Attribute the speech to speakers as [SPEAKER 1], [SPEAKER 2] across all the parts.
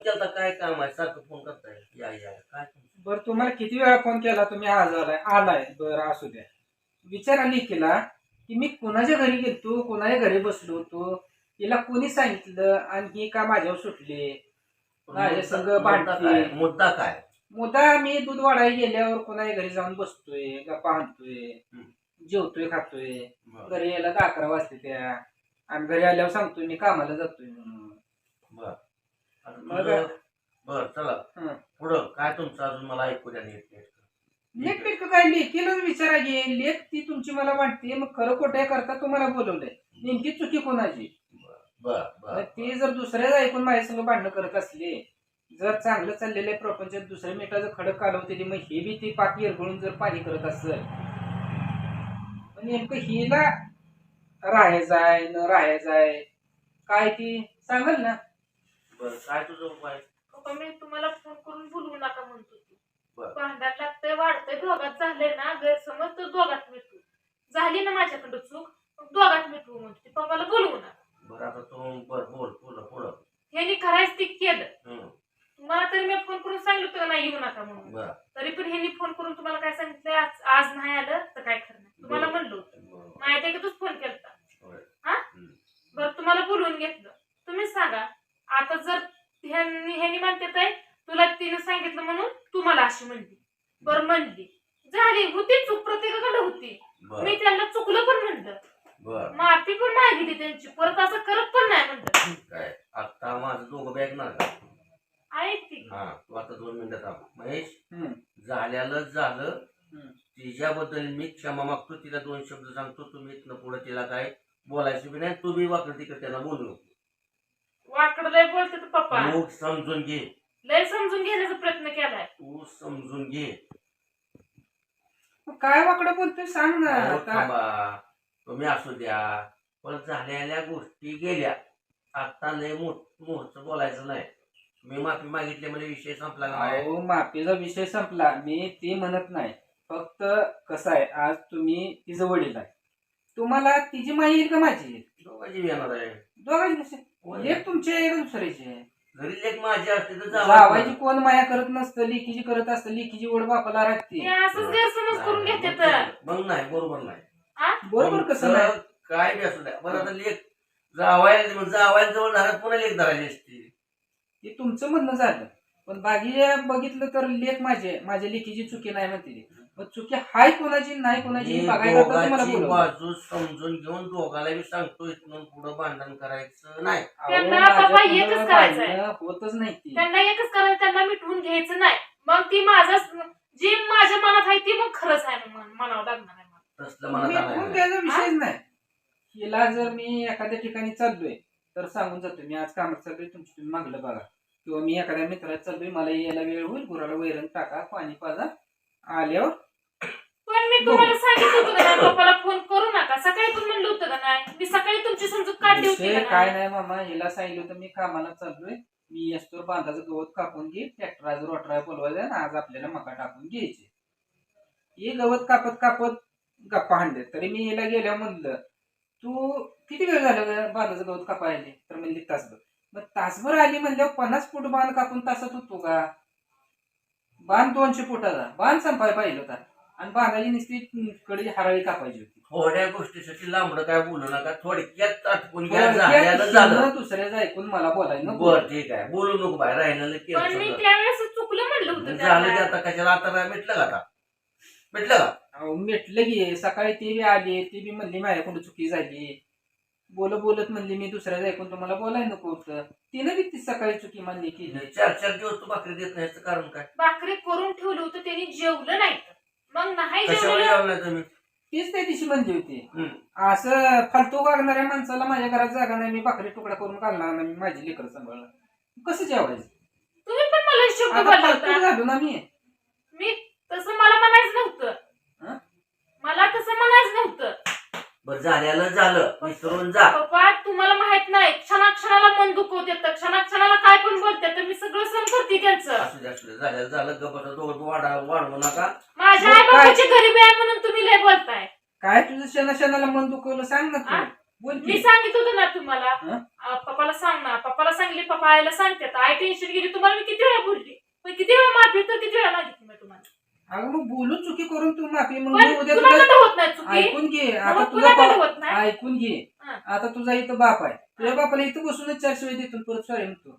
[SPEAKER 1] केलता काय काम आहे सारखं फोन करताय या या काय
[SPEAKER 2] बरं तुम्हाला किती वेळा फोन केला तुम्ही आज आलाय बरं असू द्या. विचार केला की मी कोणाच्या घरी गेलतो कोणाच्या घरी बसलो होतो तिला कोणी सांगितलं आणि ही का माझ्यावर सुटले माझ्या संग भांडते. मुद्दा मी दूध वाढायला गेल्यावर कोणाच्या घरी जाऊन बसतोय गप्पा आणतोय जेवतोय खातोय. घरी यायला 11 वाजते त्या आणि घरी आल्यावर सांगतोय मी कामाला जातोय म्हणून.
[SPEAKER 1] बर चला पुढं काय तुमचं अजून मला ऐकू द्या
[SPEAKER 2] नेटनेटकं काय लेखीलाच विचारा घे लेख ती तुमची मला वाटते मग खरं खोटं करता तुम्हाला बोलवलंय नेमकी चुकी कोणाची. ती जर दुसऱ्याच ऐकून माझ्या संग भांडणं करत असले जर चांगलं चाललेलं प्रपंचात दुसऱ्या मिनिटाचं खडक कालवतेली मग हे बी ती पाठी एरगळून जर पाणी करत असेल नेमकं हिला राहायचंय न राहायचंय काय ती सांगाल ना.
[SPEAKER 1] बरं काय तुझं उपाय.
[SPEAKER 3] मी तुम्हाला फोन करून बोलवू नका म्हणतो तू भांडण लागतंय वाढतंय दोघात झालंय ना गैरसमज तर दोघात मिटू झाली ना माझ्याकडं चूक मग दोघात मिटवू म्हणते पप्पाला बोलवू नका.
[SPEAKER 1] बरं आता तू बोल पुढं
[SPEAKER 3] ह्यानी खरायच ती केलं तुम्हाला तरी मी फोन करून सांगितलं होतं नाही येऊ नका म्हणून तरी पण ह्यांनी फोन करून तुम्हाला काय सांगितलं आज नाही आलं तर काय खरं नाही तुम्हाला म्हणलं होतं माहिती आहे का तूच फोन केलता हा बरं तुम्हाला बोलवून घेतलं तुम्हीच सांगा आता जर ह्यांनी म्हणते तुला तिने सांगितलं म्हणून तू मला अशी म्हणली बरं म्हणली झाली होती चूक प्रत्येकाकडे होती मी त्यांना चुकलं पण म्हणलं माफी पण मागितली त्यांची परत असं करत पण नाही म्हणलं.
[SPEAKER 1] काय आता माझं दोघं बॅग ना
[SPEAKER 3] ऐक ती
[SPEAKER 1] तू आता 2 मिनिटं थांब महेश झालं तिच्याबद्दल मी क्षमा मागतो तिला 2 शब्द सांगतो तुम्ही इथनं पुढे तिला काय बोलायचं बी नाही तू बी वाकड तिकडे त्यांना बोलू नको.
[SPEAKER 3] वाकड लय बोलते तू पप्पा
[SPEAKER 1] तू समजून घे
[SPEAKER 3] लय समजून घेण्याचा प्रयत्न केलाय
[SPEAKER 1] तू समजून घे.
[SPEAKER 2] काय वाकडं बोलतोय सांग ना.
[SPEAKER 1] तुम्ही असू द्या पण झालेल्या गोष्टी गेल्या आता लय मोठं बोलायचं नाही. मी माफी मागितली म्हणजे विषय संपला नाही.
[SPEAKER 2] माफीचा विषय संपला मी ते म्हणत नाही फक्त कसं आहे आज तुम्ही तिचं वडील आहे तुम्हाला तिची माई येईल का माझी येईल
[SPEAKER 1] दोघांची येणार आहे
[SPEAKER 2] दोघांची लेख तुमची आहे का दुसऱ्याची आहे.
[SPEAKER 1] घरी लेख माझी असते तर
[SPEAKER 2] जावायची कोण माया करत नसतं लेकीची करत असतं लेकीची ओढ बापाला राखते.
[SPEAKER 3] असंच गैरसमज करून घेते
[SPEAKER 1] मग नाही बरोबर नाही
[SPEAKER 2] बरोबर कसं नाही
[SPEAKER 1] काय बी असू द्या बरं आता लेख जावायला जवळ झाला पुन्हा लेख धरायची असते
[SPEAKER 2] ते तुमचं म्हणणं झालं पण बाकी बघितलं तर लेख माझ्या लेखीची चुकी नाही म्हणते पण चुकी हाय कोणाची नाही कोणाची बघायला
[SPEAKER 1] बाजू समजून घेऊन दोघाला बी सांगतो इथून पुढे भांडण करायचं नाही.
[SPEAKER 2] होतच नाही
[SPEAKER 3] त्यांना एकच करायचं त्यांना मिटवून घ्यायचं नाही मग ती माझं जी माझ्या मनात आहे ती मग खरंच आहे म्हणावं लागणार आहे.
[SPEAKER 2] त्याचा विषयच नाही. हिला जर मी एखाद्या ठिकाणी चाललोय तर सांगून जातो मी आज कामात चाललोय तुमची तुम्ही मागलं बघा किंवा मी एखाद्या मित्रात चाललोय मला यायला वेळ होईल गुराला वैरण टाका पाणी पाजा आल्यावर.
[SPEAKER 3] पण मी तुम्हाला सांगितलं होतं का पप्पाला फोन करू नका सकाळी पण म्हणलं होतं का नाही मी सकाळी तुमची समजूत काढली होती
[SPEAKER 2] काय नाही मामा हिला सांगितलं होतं मी कामाला चाललोय मी असतो बांधाचं गवत कापून घे ट्रॅक्टर आज रोटरा बोलवायचा आज आपल्याला मका टाकून घ्यायचे. हे गवत कापत गप्पा हाणले तरी मी हिला गेल्या म्हणलं तू किती वेळ झालं बांधाचं गवत कापायला तर म्हणली तासभर. मग तासभर आली म्हणल्यावर 50 फूट बांध कापून तासात होतो का. बांध 200 फुटाचा बांध संपाय पाहिजे होता आणि बांधाची नुसती कडे हराळी कापायची होती.
[SPEAKER 1] थोड्या गोष्टीसाठी लांबडं काय बोलू नका थोडक्यात आटपून
[SPEAKER 2] दुसऱ्याचं ऐकून मला बोलायला
[SPEAKER 1] बरं ठीक आहे बोलू नको बाहेर राहिलेलं
[SPEAKER 3] चुकलं म्हणलं होतं
[SPEAKER 1] झालं की आता कशाला आता मिटलं का आता मिटलं का
[SPEAKER 2] मिटलं की सकाळी ती बी आली ती बी म्हणली माझ्याकडून चुकी झाली बोलत म्हणली मी दुसऱ्याचं ऐकून तुम्हाला बोलायला नको होतं तिने बी ती सकाळी चुकी मानली की
[SPEAKER 1] 4 दिवस तू भाकरी देत नाही कारण काय
[SPEAKER 3] भाकरी करून ठेवलं होतं त्यांनी जेवलं नाही मग नाही
[SPEAKER 1] जेवलं
[SPEAKER 2] तीच त्या दिवशी म्हणली होती असं फालतू वागणाऱ्या माणसाला माझ्या घरात जागा नाही मी भाकरी तुकडा करून घालणार नाही माझी लेकर सांभाळणार कसं जेवायचं.
[SPEAKER 3] तुम्ही पण मला शब्द
[SPEAKER 2] झालो ना मी
[SPEAKER 3] तसं मला म्हणायचं नव्हतं मला तसं म्हणायचं नव्हतं.
[SPEAKER 1] बरं झालं विसरून जा.
[SPEAKER 3] पप्पा तुम्हाला माहित नाही क्षणाक्षणाला मन दुखवते तर क्षणाक्षणाला काय पण बोलते तर मी सगळं सहन करते त्यांचं.
[SPEAKER 1] असू झालं गप्पा दोघं वाढवू नका.
[SPEAKER 3] माझ्या आई बाबाची गरीबी आहे म्हणून तुम्ही लय बोलताय.
[SPEAKER 2] काय तुझं क्षणाला मन दुखवलं सांग ना तू. बोल
[SPEAKER 3] मी
[SPEAKER 2] की.
[SPEAKER 3] सांगित होतं ना तुम्हाला
[SPEAKER 2] हं?
[SPEAKER 3] पप्पाला सांग ना. पप्पाला सांगली, पप्पा आईला सांगतात. आई टेन्शन गेली. तुम्हाला मी किती वेळा बोलली, पण किती वेळा माफी तर किती वेळा मागितली मी तुम्हाला.
[SPEAKER 2] अगं मग बोलून चुकी करून तू माफी मग
[SPEAKER 3] पण
[SPEAKER 2] मी उद्या तुला
[SPEAKER 3] कुणाकडे होत नाही चुकी.
[SPEAKER 2] ऐकून घे. आता
[SPEAKER 3] मग
[SPEAKER 2] तुझा
[SPEAKER 3] कुणाकडे होत नाही.
[SPEAKER 2] ऐकून घे.
[SPEAKER 3] हं.
[SPEAKER 2] आता तुझा इथं बाप आहे. तुझ्या बापाला इथं बसूनच 4 शिवाय देतो परत सॉरी म्हणतो.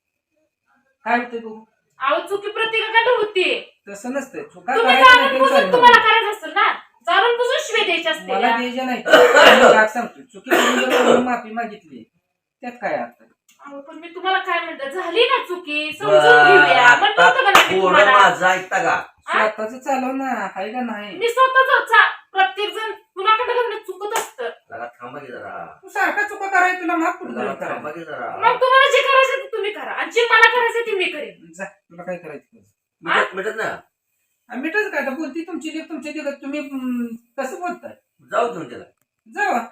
[SPEAKER 2] काय होतंय बघू.
[SPEAKER 3] अहो चुकी प्रत्येकाकडे होती.
[SPEAKER 2] तसं नसतंय. चुका
[SPEAKER 3] तुम्ही
[SPEAKER 2] करायच्या
[SPEAKER 3] जाणून
[SPEAKER 2] नाही
[SPEAKER 3] बुजून
[SPEAKER 2] sorry
[SPEAKER 3] तुम्हाला
[SPEAKER 2] म्हणतो.
[SPEAKER 3] करायचं असेल ना, जाणून बुजून शिवे द्यायचे असते
[SPEAKER 2] मला
[SPEAKER 3] ना.
[SPEAKER 2] द्यायच्या नाही. मी राग सांगतो. चुकी करून जर कोणी माफी मागितली त्यात काय अर्थ.
[SPEAKER 3] अहो, पण मी तुम्हाला काय म्हणते, झाली ना चुकी, समजून
[SPEAKER 1] बरं,
[SPEAKER 3] घेऊया म्हणलं
[SPEAKER 1] आता
[SPEAKER 3] होतं का नाही मी
[SPEAKER 1] थोडं
[SPEAKER 3] तुम्हाला.
[SPEAKER 1] माझं ऐकता का?
[SPEAKER 2] स्वतःच चालव ना आहे का नाही.
[SPEAKER 3] मी स्वतःच प्रत्येक जण कुणाकडे घडणं चुकत असतं.
[SPEAKER 1] जरा थांबा की जरा.
[SPEAKER 2] तू सारखा चुका करायला तुला माफ कुठं
[SPEAKER 1] जरा
[SPEAKER 2] करायला.
[SPEAKER 1] थांबा की जरा.
[SPEAKER 3] मग तुम्हाला जे करायचं ते तुम्ही करा, आणि जे मला करायचं ते मी करेन.
[SPEAKER 2] जा तुला काय करायचं.
[SPEAKER 1] मिटत ना.
[SPEAKER 2] मिठच काय आता बोलती तुमची लेख तुमच्या लेखात तुम्ही कसं बोलताय.
[SPEAKER 1] जाऊ तुमच्याला.
[SPEAKER 2] जावा.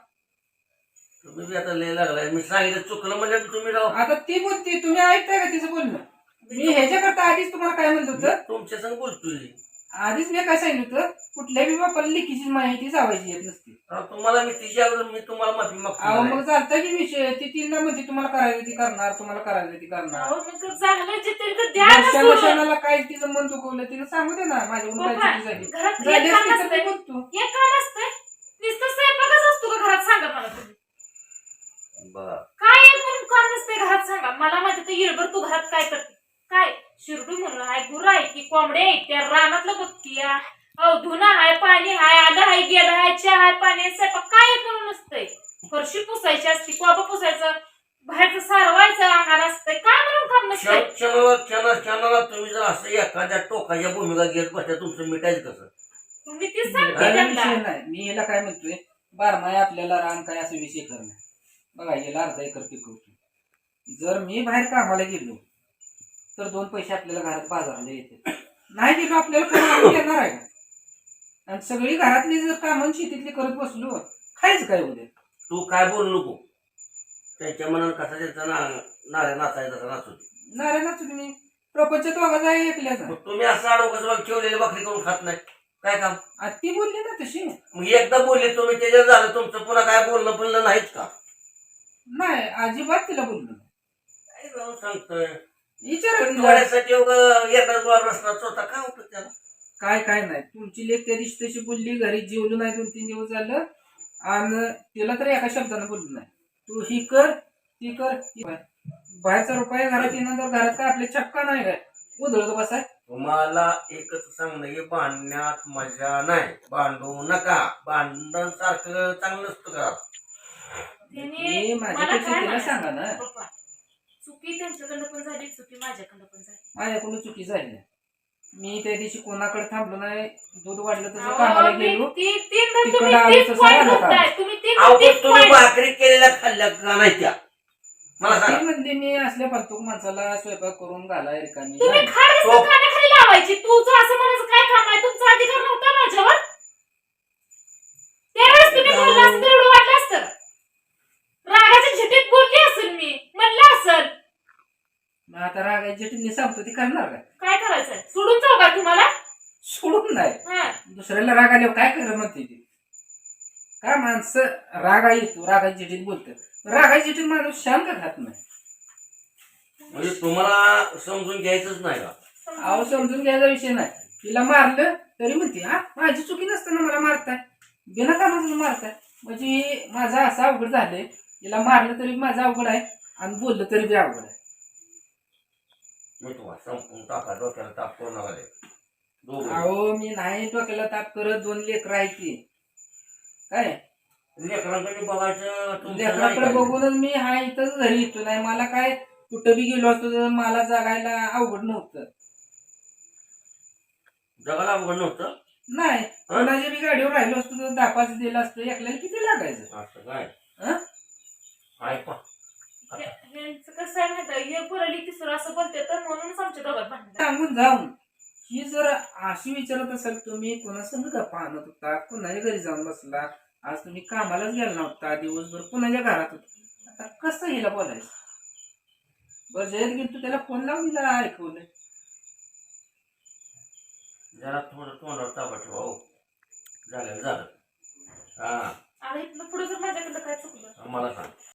[SPEAKER 1] तुम्ही बी आता लय लागलाय. मी सांगितलं चुकलं म्हणजे तुम्ही राहू.
[SPEAKER 2] आता ती बोलते तुम्ही ऐकताय का तिचं बोलणं. मी ह्याच्याकरता आधीच तुम्हाला काय म्हणत होतं.
[SPEAKER 1] तुमच्या संग बोलतोय.
[SPEAKER 2] आधीच मी काय सांगितलं होतं कुठल्याही बापाला लेखीची माहिती जावायची येत नसते.
[SPEAKER 1] तुम्हाला मी तिच्यावर मी तुम्हाला माफी
[SPEAKER 2] अहो
[SPEAKER 1] मागतो.
[SPEAKER 2] मग चालतं की विषय ती तीनदा म्हणते तुम्हाला करायचं ती करणार तुम्हाला करायचं ती करणार.
[SPEAKER 3] अहो, मग झालं जे तरी तर द्या ना
[SPEAKER 2] दर्शना
[SPEAKER 3] सोडून.
[SPEAKER 2] क्षणाला काय तिचं मन दुखवलं तिला सांगू दे ना माझ्याकडून काय
[SPEAKER 3] पप्पा,
[SPEAKER 2] चुकी झाली.
[SPEAKER 3] घरात
[SPEAKER 2] झाली
[SPEAKER 3] एक काम
[SPEAKER 2] असती तर
[SPEAKER 3] असतंय.
[SPEAKER 2] मी बोलतो.
[SPEAKER 3] एक काम असतंय, नुसतं स्वयंपाकच असतो का घरात, सांगा मला तुम्ही.
[SPEAKER 1] बरं.
[SPEAKER 3] काय एक म्हणून काम नसतंय घरात, सांगा मला. माहिती तर येळभर तू घरात काय करते, काय शिरडू म्हणून आहे, गुरं आहे की कोंबड्या आहेत, त्या रानातलं बघती या. अहो धुणं आहे, पाणी आहे, आलं आहे, गेलं आहे, चहा आहे, पाणी आहे, स्वयंपाक काय एक म्हणून नसतंय. फरशी पुसायची असती, कोबा पुसायचं, बाहेरचं सारवायचं अंगार असतंय, काय म्हणून काम नसतंय.
[SPEAKER 1] क्षणाला तुम्ही जर असं एखाद्या टोकाच्या भूमिका घेत बसल्या तुमचं मिटायचं कसं?
[SPEAKER 3] तुम्ही तीच सांगते
[SPEAKER 2] त्याला
[SPEAKER 3] त्यांना.
[SPEAKER 2] विषय नाही. मी याला काय म्हणतोय बारमाय आपल्याला रान काय असं विषय करणं. बघा याला अर्धा एकर पिकवतो. जर मी बाहेर कामाला गेलो तर 2 पैसे आपल्याला घरात बाजाराला येते. नाही गेलो आपल्याला कोण आणून देणार आहे का. आणि सगळी घरातली जर कामं शेतीतली करत बसलो खायचं काय उद्या.
[SPEAKER 1] तू काय बोलू नको. त्यांच्या मनात कसा त्यांचा नाऱ्या नाचायचा तसा नाचू दे.
[SPEAKER 2] नारायणच तुम्ही प्रपंचात वागायचं आहे ऐकल्याचा.
[SPEAKER 1] मग तुम्ही असं अडोकं ठेवलेली भाकरी करून खात नाही काय काम?
[SPEAKER 2] आज ती बोलली ना तशी.
[SPEAKER 1] मग एकदा बोलले तुम्ही त्याच्यात झालं तुमचं पुन्हा काय बोलणं बोलणं नाहीच का?
[SPEAKER 2] नाही अजिबात तिला बोललो
[SPEAKER 1] काय जाऊन सांगतोय
[SPEAKER 2] विचारा तिला.
[SPEAKER 1] थोड्यासाठी एकाच गोळा रस्ता चोथा काय होतं त्याला?
[SPEAKER 2] काय नाही तुमची लेख त्या दिवशी तशी बोलली घरी जेवलो नाही 2-3 दिवस झालं आणि तिला तर एका शब्दानं बोललो नाही. तू ही कर ती कर बाहेरचा रुपया घरात येणार तर घरात काय आपले छक्का नाही काय उधळत बसाय.
[SPEAKER 1] तुम्हाला एकच सांगणं की भांडण्यात मजा नाही. भांडू नका. भांडण सारखं चांगलं नसतं का?
[SPEAKER 3] त्यांनी मला
[SPEAKER 2] माझ्यापेक्षा
[SPEAKER 3] काय
[SPEAKER 2] तिला
[SPEAKER 3] म्हणायचं,
[SPEAKER 2] सांगा ना.
[SPEAKER 3] पप्पा, चुकी त्यांच्याकडनं पण झाली, चुकी माझ्याकडनं पण झाली.
[SPEAKER 2] माझ्याकडून चुकी झाली नाही. मी त्या दिवशी कोणाकडे थांबलो नाही. दूध वाढलं तसं
[SPEAKER 3] अहो,
[SPEAKER 2] कामाला
[SPEAKER 3] मी
[SPEAKER 2] गेलो.
[SPEAKER 3] तीनदा
[SPEAKER 2] तिकडं
[SPEAKER 3] तुम्ही
[SPEAKER 2] आलो
[SPEAKER 3] तीच
[SPEAKER 2] तसं
[SPEAKER 3] point
[SPEAKER 2] आलं का?
[SPEAKER 3] धरताय. तुम्ही
[SPEAKER 1] अहो,
[SPEAKER 3] तीच
[SPEAKER 1] पण तुम्ही
[SPEAKER 3] point.
[SPEAKER 1] भाकरी केलेल्या खाल्ल्या का नाही त्या? मला
[SPEAKER 2] ती
[SPEAKER 1] सांगा.
[SPEAKER 2] म्हणते मी असल्या फालतूक माणसाला स्वयंपाक करून घालाय रिकामी
[SPEAKER 3] तुम्ही
[SPEAKER 2] नाही.
[SPEAKER 3] खाड
[SPEAKER 1] तो-
[SPEAKER 3] खाण्याखाली लावायची. तुझं असं म्हणायचं काय काम आहे, तुमचा अधिकार नव्हता माझ्यावर. त्यावेळेस तुम्ही बोलला असतं तर एवढं वाटलं असतं. रागाच्या झिटीत बोलली असेल, मी म्हणलं असेल.
[SPEAKER 2] मग आता रागायची टिन्नी सांगतो ती करणार काय.
[SPEAKER 3] काय करायचंय, सोडून जाऊ का तुम्हाला?
[SPEAKER 2] सोडून नाही
[SPEAKER 3] हा.
[SPEAKER 2] दुसऱ्याला राग आल्यावर काय कर म्हणते ती. काय माणसं रागा येतो रागाची चिठीत बोलतात. रागाची चिठीत माणूस शांत खात नाही.
[SPEAKER 1] म्हणजे तुम्हाला समजून घ्यायचंच नाही का?
[SPEAKER 2] अहो समजून घ्यायचा विषय नाही. तिला मारलं तरी म्हणते हा माझी चुकी नसताना मला मारताय बिना कामाचं मारताय. म्हणजे माझा असा अवघड झालंय. तिला मारलं तरी माझा अवघड आहे आणि बोललं तरी बी अवघड आहे.
[SPEAKER 1] मी तुम्हाला संपून टाका. डोक्याला ताप करू नका रे. दोघं.
[SPEAKER 2] अहो मी नाही डोक्याला ताप करत. 2 लेकरं आहेत ती काय
[SPEAKER 1] लेकरांकडे बघायचं तुमचं नाही
[SPEAKER 2] लेकराकडे
[SPEAKER 1] काय.
[SPEAKER 2] बघूनच मी हा इथं घरी येतो. नाही मला काय कुठं बी गेलो असतो तर मला जगायला अवघड नव्हतं.
[SPEAKER 1] जगाला अवघड नव्हतं.
[SPEAKER 2] नाही कोणाच्या बी गाडीवर राहिलो असतो तर 10-5 दिलं असतं. एकल्याला किती लागायचं.
[SPEAKER 1] असं काय
[SPEAKER 2] हं?
[SPEAKER 1] ऐका.
[SPEAKER 3] ह्यांचं कसं आहे माहिती, हे पुरली तिसरं असं बोलते तर म्हणूनच आमच्या दोघात भांडण.
[SPEAKER 2] सांगून जाऊन ही जर अशी विचारत असाल तुम्ही कोणासंग गप्पा आणत होता कोणाच्या घरी जाऊन बसला आज तुम्ही कामालाच गेला नव्हता दिवसभर कोणाच्या घरात होता आता कसं हिला बोलायचं. बरं जयत गेल तू त्याला फोन लावून हिला ऐकवलं.
[SPEAKER 1] जरा थोडं तोंडावर ताबा ठेवा. हो झालं झालं. हा
[SPEAKER 3] आता इथनं पुढे जर माझ्याकडं काय चुकलं
[SPEAKER 1] मला सांग